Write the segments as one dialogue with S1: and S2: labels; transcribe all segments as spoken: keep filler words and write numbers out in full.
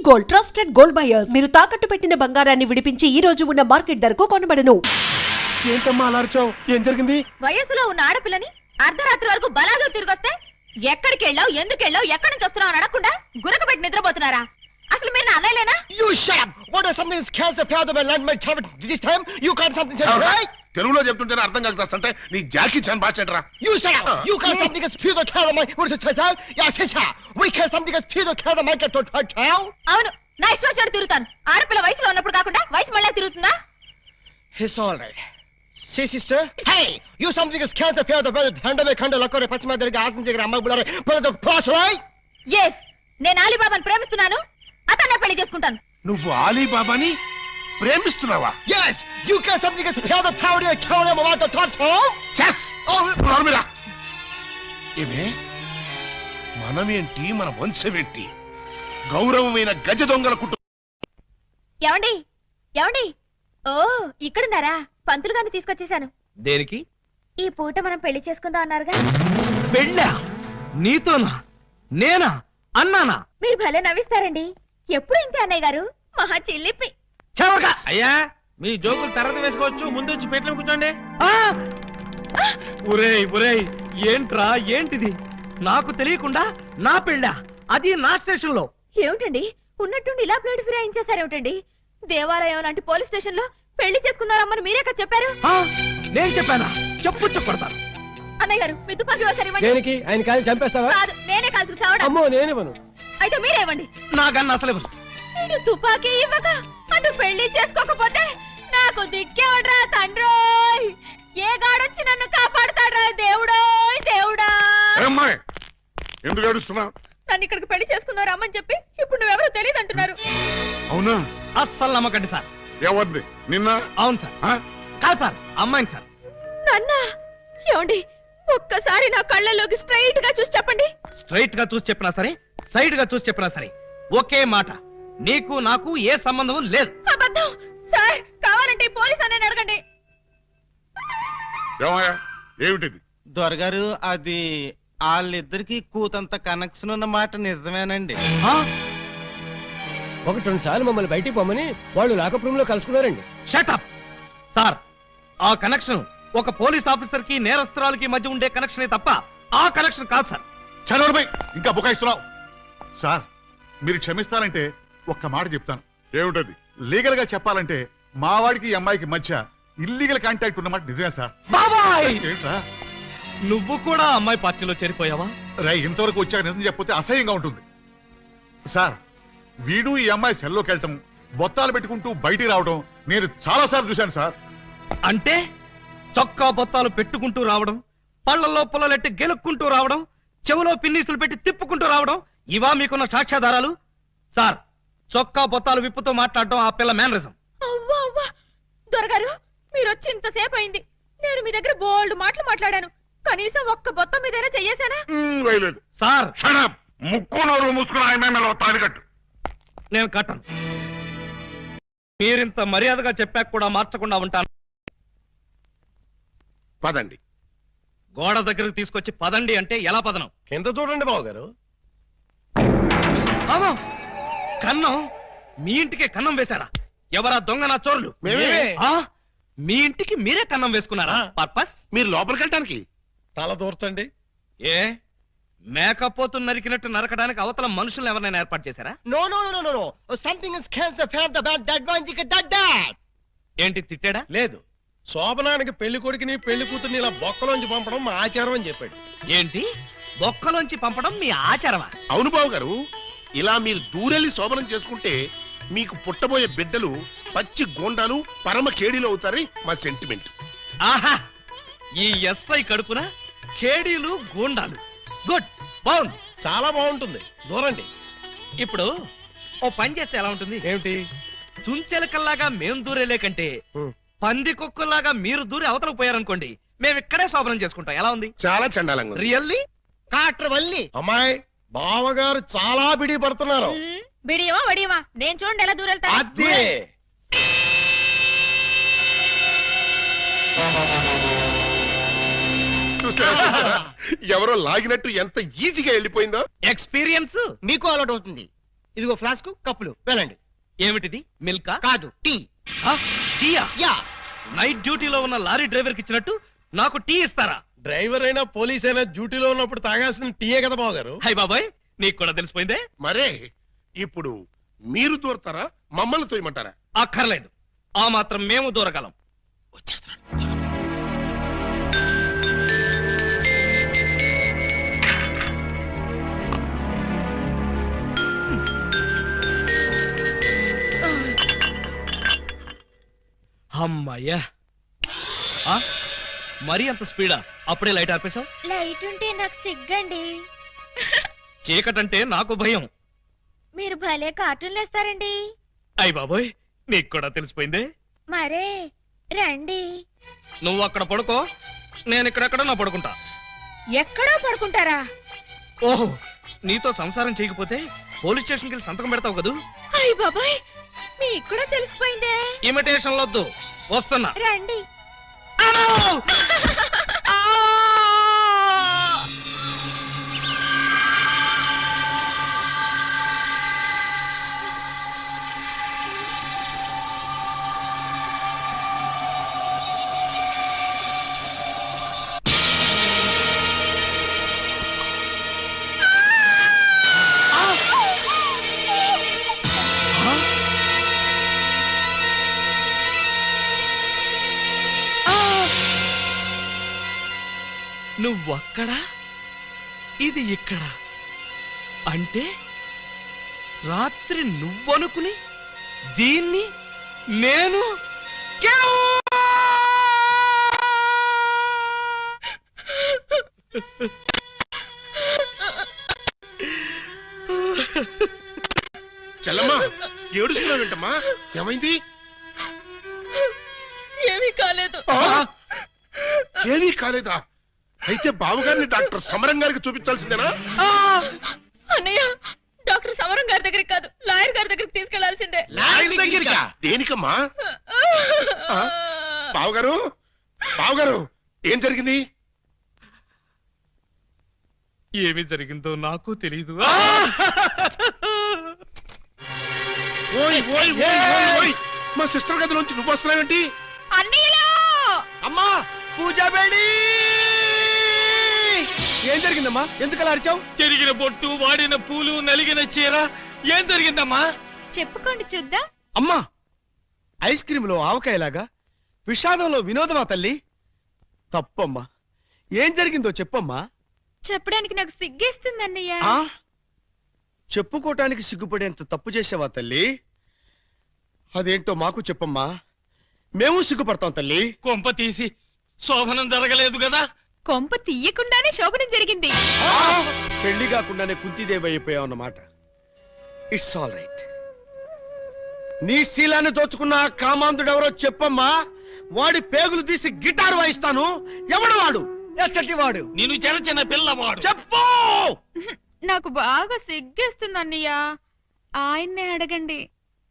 S1: Gold trusted gold buyers మీరు తాకట్టు పెట్టిన బంగారాన్ని విడిపించి ఈ రోజు ఉన్న మార్కెట్ ధరకు కొనబడను.
S2: ఏంటమ్మా అలర్చావు? ఏం జరిగింది?
S3: వయసులో ఉన్న ఆడపిల్లని అర్ధరాత్రి వరకు బలాలు తిరిగొస్తే ఎక్కడికి వెళ్ళావు, ఎందుకు వెళ్ళావు, ఎక్కడి నుంచి వస్తున్నావు అని అడగకుండా గురకబెట్టి నిద్రపోతున్నారా? అసలు మీరు నా అన్నయ్యలేనా?
S2: You shut up! What is something that scares the fear of my land my child? This time you can't something that right?
S4: తెలుగులో చెప్తుంటేనే అర్థం కలుగుతాంటే నీ జాకీ చాన్ బాచెంట్రా.
S2: You shut up! You can't something that fear the fear of my what is it child? Yes, sister. We can't something that fear the fear of my child.
S3: అవును, నా ఇష్టం వచ్చినట్టు తిరుగుతాను. ఆడపిల్ల వయసులో ఉన్నప్పుడు కాకుండా వయసు మళ్ళీ తిరుగుతుందా?
S2: It's all right. See, sister? Hey! You something that scares the fear of the brother. Hand away, hand away, పశ్చిమ దగ్గర ఆసం దగ్గర అమ్మ బులారే. But the plus, right?
S3: Yes, నేను అలీబాబాను ప్రేమిస్తున్నాను. అతన్నే పెళ్లి చేసుకుంటాను.
S4: నువ్వు అలీబాబాని ప్రేమిస్తున్నావా?
S2: Yes! You can't something that fear the power of the cow and about the thought.
S4: చెస్! నోర్మిరా. ఏమే మనమేంటి, మన వంశమేంటి? గౌరవమైన గజ దొంగల కుటుంబం.
S3: ఏమండి ఏమండి ఓ ఇక్కడున్నారా? పంతులు గారిని తీసుకొచ్చేసాను.
S5: దేనికి?
S3: ఈ పూట మనం పెళ్లి చేసుకుందాం అన్నారుగా.
S5: పెళ్ళా? నీతోనా? నేనా? అన్నానా?
S3: మీరు భలే నవ్విస్తారండి. ఎప్పుడు ఇంతే అన్నయ్య గారు, మహా చిల్లిపి.
S5: చెవగా అయ్యా, మీ జోకులు తర్వాత వేసుకోవచ్చు, ముందు వచ్చి పెట్లో కూర్చోండి. ఒరేయ్ ఒరేయ్, ఏంట్రా ఏంటిది? నాకు తెలియకుండా నా పెళ్ళా, అది నా స్టేషన్ లో.
S3: ఏమిటండి ఉన్నట్టుండి ఇలా ప్లేట్ ఫిరాయించేసారేమిటండి? దేవాలయం లాంటి పోలీస్ స్టేషన్ లో పెళ్లి చేసుకున్నారమ్మని మీరే కదా చెప్పారు.
S5: నేను చెప్పానా? చెప్పు చెప్పడతాను.
S3: అన్నయ్య గారు మీ తుపాకీ ఒకసారి ఇవ్వండి.
S2: దేనికి? ఆయన కాలు చంపేస్తావా?
S3: కాదు, నేనే కాల్చుకు చావడం.
S2: అమ్మో, నేనివ్వను.
S3: అయితే మీరే ఇవ్వండి.
S5: నాకన్నా అసలు
S3: నేను తుపాకీ ఇవ్వక అటు పెళ్లి చేసుకోకపోతే నాకు దిక్కేవడ్రా తండ్రోయ్. ఏ గాడొచ్చి నన్ను కాపాడుతాడ్రా దేవుడోయ్ దేవుడా.
S4: అమ్మాయి ఎందుకు ఏడుస్తున్నావు?
S3: నన్ను ఇక్కడికి పెళ్లి చేసుకున్నారు అమ్మని చెప్పి ఇప్పుడు నువ్వెవరో తెలియదు అంటున్నారు.
S4: అవునా?
S5: అస్సలు నమ్మకండి సార్.
S4: ఎవరిది? నిన్న?
S5: అవును సార్. కాదు సార్, అమ్మాయిని సార్.
S3: నాన్న ఏమండి, ఒక్కసారి నా కళ్ళలోకి స్ట్రైట్ గా చూసి చెప్పండి.
S5: స్ట్రైట్ గా చూసి చెప్పినా సరే, సైడ్ గా చూసి చెప్పినా సరే ఒకే మాట, నీకు నాకు ఏ సంబంధం లేదు.
S3: అబద్ధం సార్. కావాలంటే పోలీస్ అనే అడగండి.
S4: ఏమయ్యా ఏమిటిది?
S6: దొరగారు, అది వాళ్ళిద్దరికి కూతంత కనెక్షన్ ఉన్న మాట నిజమేనండి.
S2: ఒకటి రెండు సార్లు మమ్మల్ని బయటికి పోమని వాళ్ళు లాకప్ రూమ్ లో కలుసుకున్నారండి.
S5: Shut up sir. ఆ కనెక్షన్ ఒక పోలీస్ ఆఫీసర్ కి నేరస్తురాలకి మధ్య ఉండే కనెక్షనే తప్ప ఆ కనెక్షన్ కాదు సార్.
S4: చదవడమై ఇంకా బుకాయిస్తున్నావు. సార్ మీరు క్షమిస్తారంటే ఒక్క మాట చెప్తాను. ఏమిటది? లీగల్ గా చెప్పాలంటే మా వాడికి ఈ అమ్మాయికి మధ్య ఇల్లీగల్ కాంటాక్ట్ ఉన్నమాట నిజమే సార్.
S5: బాబాయ్,
S4: ఏంట్రా
S5: నువ్వు కూడా అమ్మాయి పార్టీలో చేరిపోయావా?
S4: రై, ఇంతవరకు వచ్చాక నిజం చెప్పితే అసహ్యంగా ఉంటుంది సార్. వీడు ఈ అమ్మాయి సెల్లోకి వెళ్ళటం, బొత్తాలు పెట్టుకుంటూ బయటికి రావడం నేను చాలా సార్లు చూశాను సార్.
S5: అంటే చొక్కా బొత్తాలు పెట్టుకుంటూ రావడం, పళ్ళల్లో పుల్లలెట్టి గెలుక్కుంటూ రావడం, చెవులో పిన్నీసులు పెట్టి తిప్పుకుంటూ రావడం, ఇవా మీకున్న సాక్ష్యాధారాలు? సార్, చొక్కా బొత్తాలు విప్పుతూ మాట్లాడటం ఆ పిల్ల మేనరిజం.
S3: అవ్వా అవ్వా దొరగారు, మీరు వచ్చి ఇంతసేపు అయింది. నేను మీ దగ్గర బోల్డ్ మాటలు మాట్లాడాను. కనీసం ఒక్క బొత్తం మీదైనా చెయ్యేశానా?
S5: సార్
S4: ముక్కు నోరు మూసుకుని ఆయన తాళి కట్టు.
S5: నేను కట్టను. మీరింత మర్యాదగా చెప్పాక కూడా మార్చకుండా ఉంటాను.
S4: పదండి.
S5: గోడ దగ్గరకు తీసుకొచ్చి పదండి అంటే ఎలా పదనం?
S2: కింద చూడండి బాబు గారు.
S5: కన్నం? మీ ఇంటికే కన్నం వేశారా? ఎవరా దొంగ నా చోరులు? ఆ? మీ ఇంటికి మీరే కన్నం వేసుకున్నారా? పర్పస్?
S4: మీరు లోపలికి వెళ్ళటానికి.
S2: తల దూర్తండి.
S5: ఏ మేకపోతు నరికినట్టు నరకడానికి అవతల మనుషులు ఎవరైనా ఏర్పాటు చేశారా?
S2: No no no no no something is cancer for the bad that one thick that that.
S5: ఏంటి తిట్టాడా?
S2: లేదు, శోభనానికి పెళ్లి కొడుకుని పెళ్లి కూతుర్ని ఇలా బొక్కలోంచి పంపడం మా ఆచారం అని చెప్పాడు.
S5: ఏంటి బొక్కలోంచి పంపడం మీ ఆచారమా?
S4: అవును బాబు గారు, ఇలా మీరు దూరెళ్ళి శోభనం చేసుకుంటే మీకు పుట్టబోయే బిడ్డలు పచ్చి గోండాలు పరమ కేడీలు అవుతారని మా సెంటిమెంట్.
S5: ఆహా, ఈ ఎస్ఐ కడుపున కేడీలు గూండాలు. గుడ్, బాగుంది,
S2: చాలా బాగుంటుంది. దూరండి.
S5: ఇప్పుడు ఓ పని చేస్తే ఎలా ఉంటుంది?
S2: ఏమిటి?
S5: చుంచెలకల్లాగా మేం దూరేలే కంటే పంది కుక్కల్లాగా మీరు దూరి అవతలకు పోయారనుకోండి, మేము ఇక్కడే శోభనం చేసుకుంటాం. ఎలా ఉంది?
S4: చాలా చండాలంగా.
S5: రియల్లీ?
S2: కాట్ర వల్లి అమ్మాయి బావగారు చాలా బిడి పడుతున్నారు.
S3: బిడియమా వడియమా నేను చూడండి ఎలా దూరెళ్తా.
S2: అదే
S4: ఎవరో లాగినట్టు ఎంత ఈజీగా వెళ్ళిపోయిందో.
S5: ఎక్స్పీరియన్స్
S2: మీకు అలవాటు అవుతుంది. ఇదిగో ఫ్లాస్క్ కప్పులు వెళ్ళండి.
S5: ఏమిటిది? మిల్కా?
S2: కాదు, టీ.
S5: ఆ, టీయా?
S2: యా.
S5: నైట్ డ్యూటీలో ఉన్న లారీ డ్రైవర్ కి ఇచ్చినట్టు నాకు టీ ఇస్తారా?
S7: డ్రైవర్ అయినా పోలీస్ అయినా డ్యూటీలో ఉన్నప్పుడు తాగాల్సిన టీయే కదా బాబు గారు.
S5: హై బాబాయ్, నీకు కూడా తెలిసిపోయిందే.
S8: మరే ఇప్పుడు మీరు దూరతారా మమ్మల్ని తోయమంటారా?
S5: అక్కర్లేదు, ఆ మాత్రం మేము దూరగలం. వచ్చేస్తున్నాను. అమ్మాయ్యా, ఆ? మరీ అంత స్పీడా? అప్పుడే లైట్ ఆర్పేశావు?
S3: లైట్ ఉంటే నాకు సిగ్గండి.
S5: చీకటంటే నాకు భయం.
S3: మీరు భలే కార్టూన్లు వేస్తారండి.
S5: అయ్ బాబోయ్, నీకు కూడా తెలిసిపోయిందే.
S3: మరే రండి.
S5: నువ్వు అక్కడ పడుకో, నేను ఇక్కడెక్కడ నా పడుకుంటా.
S3: ఎక్కడో పడుకుంటారా?
S5: ఓహో, నీతో సంసారం చేయకపోతే పోలీస్ స్టేషన్కి వెళ్ళి సంతకం పెడతావు కదూ.
S3: అయ్య బాబాయ్, మీకు కూడా తెలిసిపోయిందే.
S5: ఇమిటేషన్ వద్దు, వస్తున్నా.
S3: రండి.
S5: నువ్వక్కడ, ఇది ఇక్కడ. అంటే రాత్రి నువ్వనుకుని దీన్ని నేను
S8: చెల్లమ్మా ఏడుస్తున్నావు ఏంటమ్మా? ఏమైంది?
S3: ఏమీ కాలేదు.
S8: ఆ? ఏమీ కాలేదా? అయితే బావగారిని డాక్టర్ సమరం గారికి చూపించాల్సిందేనా?
S3: అన్నయ్య, డాక్టర్ సమరం గారి దగ్గరికి కాదు, లాయర్ గారి దగ్గరికి తీసుకెళ్లాల్సిందే.
S8: దేనికమ్మా? ఆ? బావగారు, బావగారు ఏం జరిగింది?
S5: ఏమి జరిగిందో నాకు తెలీదు.
S8: ఓయ్ ఓయ్ ఓయ్ ఓయ్ ఓయ్ మా సిస్టర్ గదిలోంచి నువ్వు వస్తున్నావేంటి?
S3: అన్నయ్యలో
S2: అమ్మా, పూజా బేడి. ఏం జరిగిందమ్మా? ఎందుకు అలా అరిచావు?
S5: చెరిగిన బొట్టు, వాడిన పూలు, నలిగిన చీర. ఏం జరిగిందమ్మా?
S3: చెప్పుకోండి చూద్దాం.
S2: అమ్మా, ఐస్ క్రీమ్ లో ఆవకాయలాగా విషాదంలో వినోదమా తల్లి? తప్పమ్మా, ఏం జరిగిందో చెప్పమ్మా.
S3: చెప్పడానికి నాకు సిగ్గేస్తుంది అన్నయ్య.
S2: ఆ? చెప్పుకోటానికి సిగ్గుపడేంత తప్పు చేసావా తల్లి? అదేంటో మాకు చెప్పమ్మా, మేము సిగ్గుపడతాం తల్లి.
S5: కొంప తీసి శోభనం జరగలేదు కదా?
S3: కొంప తీయకుండానే శోభనం జరిగింది.
S2: పెళ్లి కాకుండానే కుంతిదేవి అయిపోయావు అన్నమాట. It's all right. నీ శీలాన్ని దోచుకున్న ఆ కామాంధుడెవరో చెప్పమ్మా. వాడి పేగులు తీసి గిటార్ వాయిస్తాను. ఎవడు వాడు? ఎచ్చటి వాడు?
S5: నేను చిన్న చిన్న పిల్లవాడు.
S2: చెప్పు.
S3: నాకు బాగా సిగ్గేస్తుంది అన్నయ్య, ఆయన్నే అడగండి.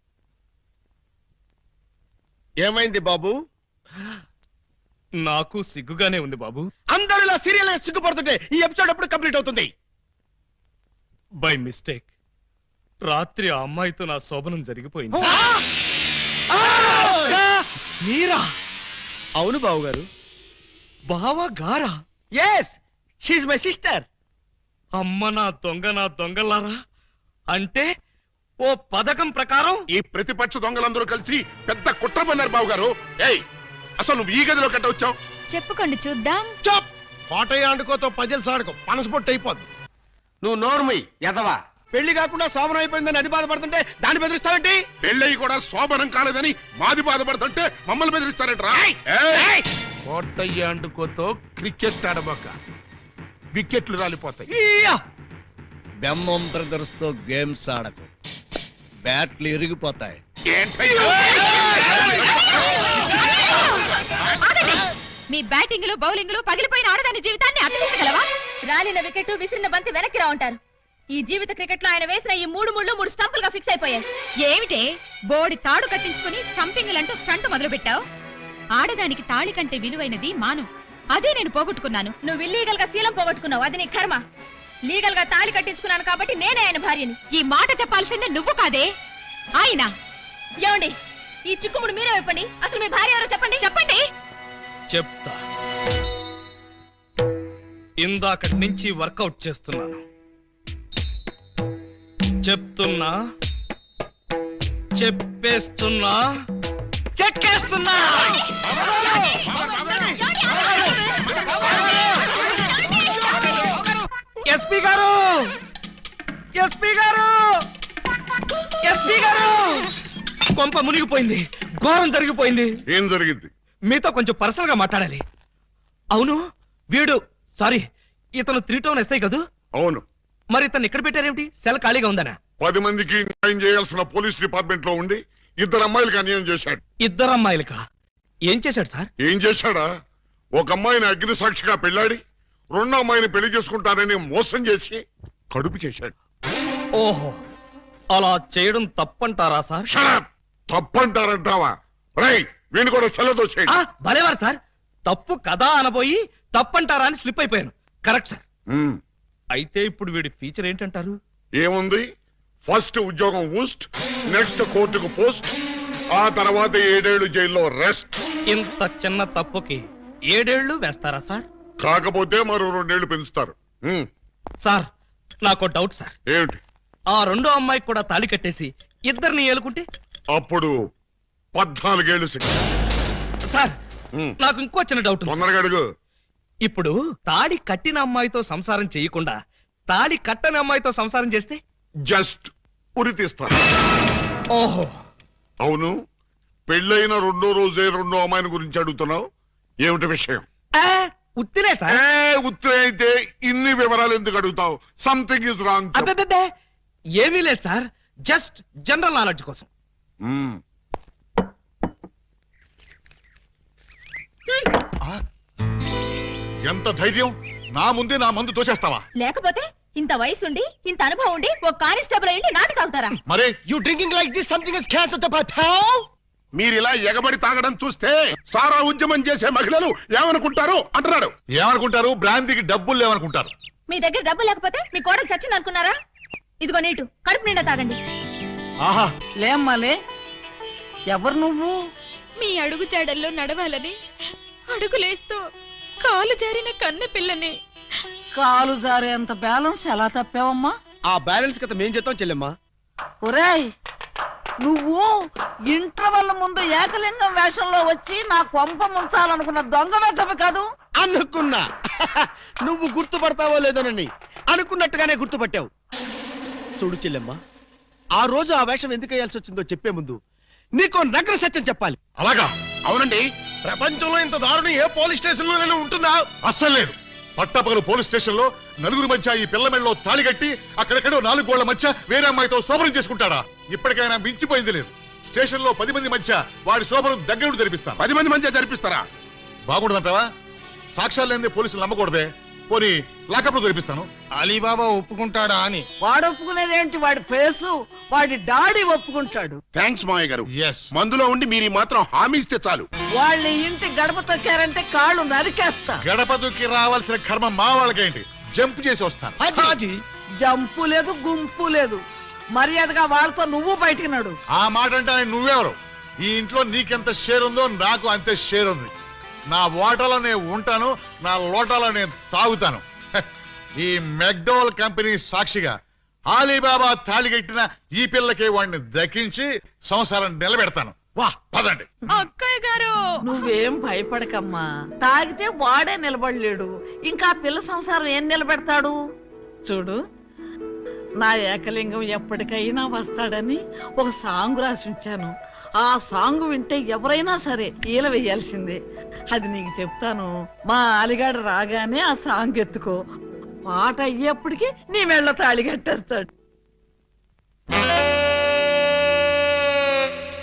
S2: ఏమైంది బాబు?
S5: నాకు సిగ్గుగానే ఉంది బాబు.
S2: అందరూ ఇలా సీరియల్ సిగ్గుపడుతుంటే ఈ ఎపిసోడ్ ఎప్పుడు కంప్లీట్ అవుతుంది?
S5: బై మిస్టేక్ రాత్రి ఆ అమ్మాయితో నా శోభనం జరిగిపోయింది. మీరా?
S2: అవును బాబు గారు.
S5: బావ గారా?
S2: Yes, she's my sister.
S5: అమ్మ నా దొంగ, నా దొంగలారా. అంటే ఓ పథకం ప్రకారం
S8: ఈ ప్రతిపక్ష దొంగలందరూ కలిసి పెద్ద కుట్ర పన్నారు బావగారు. ఏయ్, అసలు నువ్వు ఈ గదిలో కట్ట వచ్చావు?
S3: చెప్పుకోండి చూద్దాం.
S2: చప్.
S7: కోటయ్య ఆడుకోతో పజల్ సాడుకో, పనసపొట్టు అయిపోద్ది.
S2: నువ్వు నోర్మై ఎదవా. పెళ్లి కాకుండా శోభనం అయిపోయిందని అది బాధపడుతుంటే దాన్ని బెదిరిస్తావేంటి?
S8: పెళ్ళయి కూడా శోభనం కాలేదని మాది బాధపడుతుంటే మమ్మల్ని బెదిరిస్తారంటరా? కోటయ్య అంటుకోతో క్రికెట్ ఆడబోక, వికెట్లు రాలిపోతాయి.
S9: బెమ్మం బ్రదర్స్ తో గేమ్స్ ఆడకు, బ్యాట్లు ఇరిగిపోతాయి.
S3: మీ బ్యాటింగ్ లో బౌలింగ్ లో పగిలిపోయిన ఆడదాని జీవితాన్ని అతికించగలవా? రాలిన వికెట్, విసిరిన బంతి వెనక్కి రా ఉంటారు. ఈ జీవిత క్రికెట్ లో ఆయన వేసిన ఈ మూడు ముళ్ళు మూడు స్టంపులుగా ఫిక్స్ అయిపోయాయి. ఏమిటే బోడి తాడు కట్టించుకుని స్టంపింగ్ అంటూ స్టంట్ మొదలు పెట్టావు? ఆడదానికి తాళి కంటే విలువైనది మాను. అదే నేను పోగొట్టుకున్నాను. నువ్వు ఇల్లీగల్ గా శీలం పోగొట్టుకున్నావు, అది నీ కర్మ. లీగల్ గా తాళి కట్టించుకున్నాను కాబట్టి నేనే ఆయన భార్యని. ఈ మాట చెప్పాల్సిందే నువ్వు కాదే ఆయన. ఏమండి ఈ చిక్కుముడు మీరే చెప్పండి, అసలు మీ భార్య ఎవరో చెప్పండి చెప్పండి.
S5: చెప్తా. ఇందాకటి నుంచి వర్కౌట్ చేస్తున్నాను. చెప్తున్నా, చెప్పేస్తున్నా, చెక్కేస్తున్నా. ఎస్పీ గారు, ఎస్పీ గారు, ఎస్పీ గారు, కొంప మునిగిపోయింది, ఘోరం జరిగిపోయింది.
S4: ఏం జరిగింది?
S5: మీతో కొంచెం పర్సనల్ గా మాట్లాడాలి. అవును, వీడు సారీ ఇతను త్రీ టౌన్ ఎస్ఐ కదూ?
S4: అవును.
S5: మరి ఇతను ఇక్కడ పెట్టారేమిటి? సెల్ ఖాళీగా ఉందనా?
S4: పది మందికి న్యాయం చేయాల్సిన పోలీస్ డిపార్ట్మెంట్ లో ఉండి ఇద్దరు అమ్మాయిలకి అన్యాయం చేశాడు.
S5: ఇద్దరు అమ్మాయిలకా? ఏం చేశాడు సార్?
S4: ఏం చేశాడా? ఒక అమ్మాయిని అగ్ని సాక్షిగా పెళ్ళాడి రెండో అమ్మాయిని పెళ్లి చేసుకుంటానని మోసం చేసి కడుపు చేశాడు.
S5: ఓహో, అలా చేయడం తప్పంటారా సార్?
S4: షడప్! తప్పంటారంటావా? రై వీణు కూడా సెలదోసేయండి.
S5: ఆ, భలేవారు సార్. తప్పు కదా అనబోయి తప్పంటారా అని స్లిప్ అయిపోయాను. Correct sir.
S4: ఉమ్,
S5: అయితే ఇప్పుడు వీడి ఫీచర్ ఏంటంటారు?
S4: ఏముంది? ఫస్ట్ ఉద్యోగం ఊస్ట్, నెక్స్ట్ కోర్టుకు పోస్ట్, ఆ తర్వాత ఏడేళ్లు జైల్లో రెస్ట్.
S5: ఇంత చిన్న తప్పుకి ఏడేళ్లు వేస్తారా సార్?
S4: కాకపోతే మరో రెండేళ్లు పెంచుతారు. ఉమ్,
S5: సార్ నాకు డౌట్ సార్.
S4: ఏమిటి?
S5: ఆ రెండో అమ్మాయికి కూడా తాళి కట్టేసి ఇద్దరిని ఏలుకుంటే?
S4: అప్పుడు పద్నాలుగేళ్లు శిక్ష.
S5: సార్
S4: ఉమ్,
S5: నాకు ఇంకో చిన్న డౌట్ ఉంది సార్.
S4: తొందరగా అడుగు.
S5: ఇప్పుడు తాళి కట్టిన అమ్మాయితో సంసారం చేయకుండా తాళి కట్టని అమ్మాయితో సంసారం చేస్తే?
S4: జస్ట్ ఉరి తీస్తాను.
S5: ఓహో,
S4: అవును, పెళ్ళైన రెండో రోజే రెండో అమ్మాయిని గురించి అడుగుతున్నావు. ఏమిటి విషయం?
S5: ఆ, ఉత్తినే సార్.
S4: ఏ ఉత్తరే అయితే ఇన్ని వివరాలు ఎందుకు అడుగుతావు? Something is wrong.
S5: అబ్బే, ఏమీ లేదు సార్, జస్ట్ జనరల్ నాలెడ్జ్ కోసం.
S4: ఎంత ధైర్యం! నా ముందే నా మందు తోసేస్తావా?
S3: లేకపోతే ఇంత వయసుండి ఇంత అనుభవం ఉండి ఒక కానిస్టేబుల్ అయ్యి నాటు తాగుతారా?
S4: మరే
S2: you drinking like this something is cancer to పటావ్.
S8: మీరు ఇలా ఎగబడి తాగడం చూస్తే సారా ఉద్యమం చేసే మహిళలు ఏమనుకుంటారు అంటున్నాడు.
S4: ఏమనుకుంటారు? బ్రాంతికి డబ్బులు లేవనుకుంటారు.
S3: మీ దగ్గర డబ్బు లేకపోతే మీ కోడలు చచ్చింది అనుకున్నారా? ఇదిగో నీటు కడుపు నిండా తాగండి.
S5: ఆహా,
S10: లేమ్మాలే, ఎవరు నువ్వు?
S3: మీ అడుగు జాడల్లో నడవాలని అడుగులేస్తూ కాలు జారిన కన్న పిల్లని.
S10: కాలు జారేంత బ్యాలెన్స్ ఎలా తప్పావమ్మా?
S2: ఆ బ్యాలెన్స్ కథ మేం చేద్దాం చెల్లెమ్మా.
S10: ఒరేయ్, నువ్వు ఇంటర్వెల్ ముందు ఏకలింగం వేషంలో వచ్చి నా కొంప ముంచాలనుకున్న దొంగ వెతవి కాదు?
S2: అనుకున్నా నువ్వు గుర్తుపడతావో లేదోనని. అనుకున్నట్టుగానే గుర్తుపట్టావు. చూడు చెల్లెమ్మా, ఆ రోజు ఆ వేషం ఎందుకు వేయాల్సి వచ్చిందో చెప్పే ముందు నీకు నగ్న సత్యం చెప్పాలి.
S4: అలాగా?
S8: అవునండి.
S2: ప్రపంచంలో ఇంత దారుణం ఏ పోలీస్ స్టేషన్ లోనే ఉంటుందా?
S4: అస్సలు లేదు. పట్టపగలు పోలీస్ స్టేషన్ లో నలుగురు మధ్య ఈ పిల్ల మెళ్ళలో తాళి కట్టి అక్కడెక్కడో నాలుగు గోళ్ల మధ్య వేరే అమ్మాయితో శోభనం చేసుకుంటాడా? ఇప్పటికైనా మించిపోయింది లేదు. స్టేషన్ లో పది మంది మధ్య వాడి శోభనం దగ్గర జరిపిస్తా.
S8: పది మంది మధ్య జరిపిస్తారా?
S4: బాగుండదంటావా? సాక్ష్యాలు లేని పోలీసులు నమ్మకూడదే. పోనీ లాకప్ లో జరిపిస్తాను.
S6: అలీబాబా ఒప్పుకుంటాడా అని.
S10: వాడు ఒప్పుకునేదేంటి? వాడి ఫేసు, వాడి డాడీ ఒప్పుకుంటాడు.
S8: థ్యాంక్స్ మావయ్య గారు.
S4: ఎస్.
S8: మందులో ఉండి మీరు మాత్రం హామీ ఇస్తే చాలు.
S10: వాళ్ళ ఇంటి గడప తొక్కారంటే కాళ్ళు నరికేస్తా.
S4: గడప దుక్కి రావాల్సిన కర్మ మా వాళ్ళకేంటి? జంప్ చేసి వస్తాను.
S5: హాజీ,
S10: జంపు లేదు, గుంపు లేదు. మర్యాదగా వాళ్ళతో నువ్వు బయటికి నడు.
S4: ఆ మాట అంటే నువ్వెవరు? ఈ ఇంట్లో నీకెంత షేర్ ఉందో నాకు అంతే షేర్ ఉంది. నా ఓటలో నేను ఉంటాను, నా లోటాలో నేను తాగుతాను. హ, ఈ మెక్డోవల్ కంపెనీ సాక్షిగా అలీబాబా తాళిగట్టిన ఈ పిల్లకి వాడిని దక్కించి సంసారం నిలబెడతాను. వా పదండి.
S3: అక్కయ్య గారు,
S10: నువ్వేం భయపడకమ్మా. తాగితే వాడే నిలబడలేడు, ఇంకా పిల్ల సంసారం ఏం నిలబెడతాడు? చూడు, నా ఏకలింగం ఎప్పటికైనా వస్తాడని ఒక సాంగ్ రాసి ఉంచాను. ఆ సాంగ్ వింటే ఎవరైనా సరే ఈల వేయాల్సిందే. అది నీకు చెప్తాను. మా అలిగాడు రాగానే ఆ సాంగ్ ఎత్తుకో. పాట అయ్యేప్పటికి నీ మెళ్ళ తాళి కట్టేస్తాడు.